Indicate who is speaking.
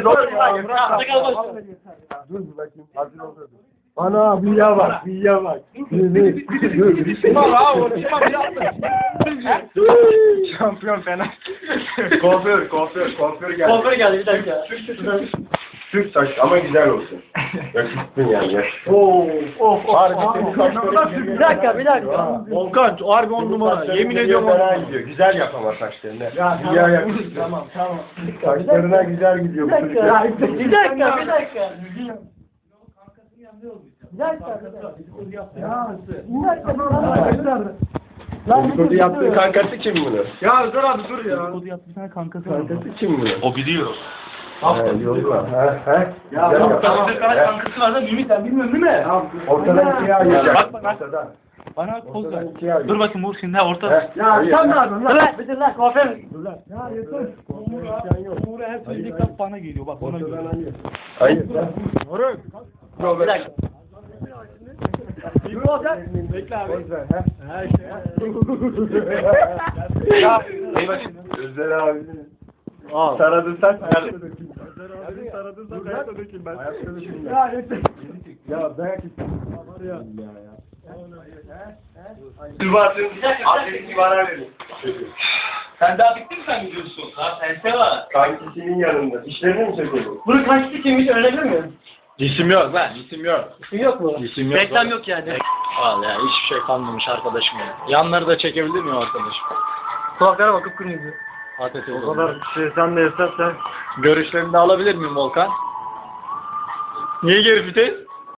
Speaker 1: Dur bakayım. Hazır oldu. Ana büyüye bak, büyüye bak. Şampiyon fena. Kuaför geldi.
Speaker 2: Kuaför geldi bir dakika.
Speaker 1: Türk saç ama güzel olsun. Yakışıklın yani.
Speaker 2: Bir dakika.
Speaker 3: Volkan harbi 10 numara. Yemin ediyorum
Speaker 1: fena gidiyor. Güzel yap ama saçlarını. Güzel yakışıklı.
Speaker 2: Tamam.
Speaker 1: Saçlarına güzel gidiyor bu çocuk.
Speaker 2: Bir dakika.
Speaker 1: Dedikodu yaptığı kankası kim bunu?
Speaker 3: Ya dur abi dur ya.
Speaker 1: Kankası kim bunu?
Speaker 4: O biliyor.
Speaker 1: Yolla.
Speaker 3: Ya
Speaker 1: tamam.
Speaker 3: kankası var da Mimi sen bilmiyorsun değil mi?
Speaker 1: Ortadan ikiye ayıracak.
Speaker 4: Bak.
Speaker 1: Ortadan.
Speaker 4: Bana poz ver.
Speaker 1: Ortadan ikiye ayıracak.
Speaker 4: Dur bakayım Uğur şimdi ortada.
Speaker 3: Ya sen ne yapıyorsun lan?
Speaker 2: Dur lan kuaför.
Speaker 4: Uğur'a her söylediği kap bana geliyor bak ona göre.
Speaker 1: Ortadan ayır. Hayır.
Speaker 2: Bir dakika.
Speaker 3: Bekle abi.
Speaker 1: Poz ver.
Speaker 4: Ya.
Speaker 1: Özel abi. Taradın saç.
Speaker 3: Taradın sen ayakta dökül ben.
Speaker 1: Ya dayak
Speaker 4: Sen daha bitti mi sen gidiyorsun? Ha sense var.
Speaker 1: Kankisinin yanında. İşlerini mi söylüyorsun?
Speaker 2: Bunun kaçtı kimmiş öğrenebilir miyim?
Speaker 4: Cisim yok lan cisim yok.
Speaker 2: İsim yok mu?
Speaker 4: Cisim yok.
Speaker 2: Reklam yok yani.
Speaker 4: Al ya hiçbir şey kalmamış arkadaşım ya. Yanları da çekebilir miyim arkadaşım?
Speaker 2: Kulaklara bakıp kırmızı.
Speaker 4: Patates
Speaker 3: O kadar şey sen de istersen.
Speaker 4: Görüşlerini de alabilir miyim Volkan? Niye geri vites?